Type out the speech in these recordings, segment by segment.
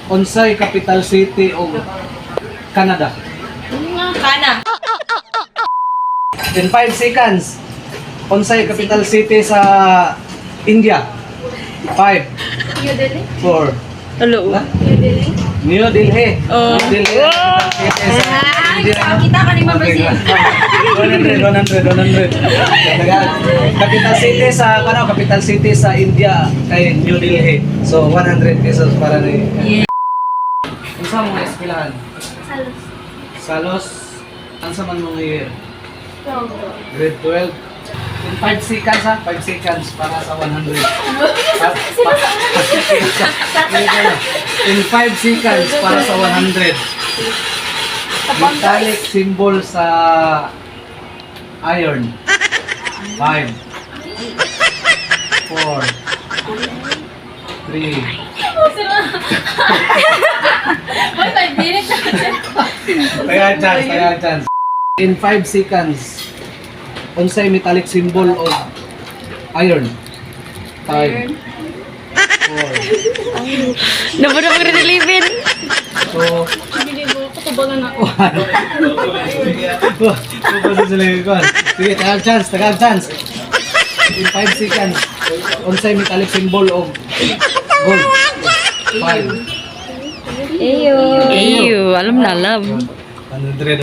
unsay capital city of Canada? Kana. In 5 seconds, unsay capital city sa India? 5, New Delhi. 4, Hello. New Delhi. New Delhi. Oh. New Delhi. Capital city sa India. Kita ka ni Ma'am Brazil. 100. Capital city sa capital city sa India kay New Delhi. So 100 pesos para ni. Yeah. Unsa mo eskwelahan? Salos. Salos. Unsa man mo year? Grade 12. In 5 seconds ha, 5 seconds para sa 100. In 5 seconds para sa 100. Metallic symbol sa iron. 5, 4, 3. Boy, 5 minutes. Kaya chance. In 5 seconds, unsay metallic symbol of iron? 5, 4. Dapat ako rin-relivin. So, Hindi ko katubalan ako. sige, tagal chance. In 5 seconds, unsay metallic symbol of gold? 5. Eyo, alam na alam. 100.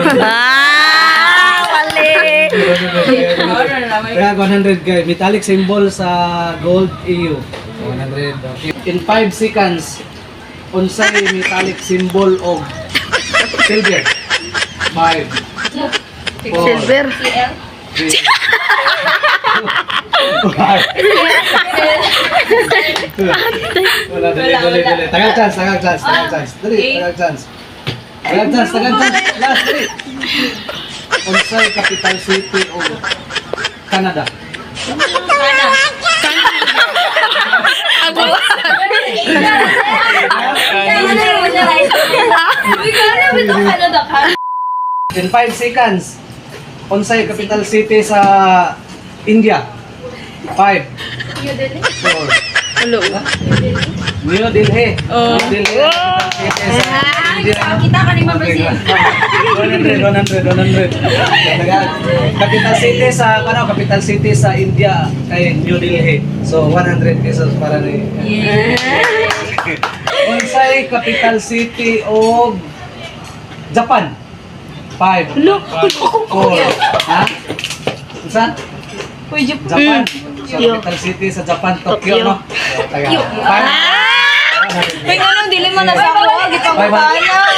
Ah, mali. Kaya 100 guys, metallic symbol sa gold EU. 100. Okay. In 5 seconds, unsay metallic symbol of silver? 5, 4, Silver. CL. 3. Wala. Tagal chance. Dali, tagal chance. Last, dali. Unsay capital city of Canada? Kana. In 5 seconds, unsay capital city sa India? 5, New Delhi. 4. Hello. New Delhi. Oh. New Delhi. Capital city sa India. Kita ka ni Ma'am Brazil. 100. Capital city sa capital city sa India kay New Delhi. So 100 pesos para ni. Yeah. Unsay capital city of Japan? 5, 4. Ha? Unsa? Japan. So, capital city sa Japan, Tokyo, no? Tokyo. May ganun, dili mo na sa ako. Gito mo kaya.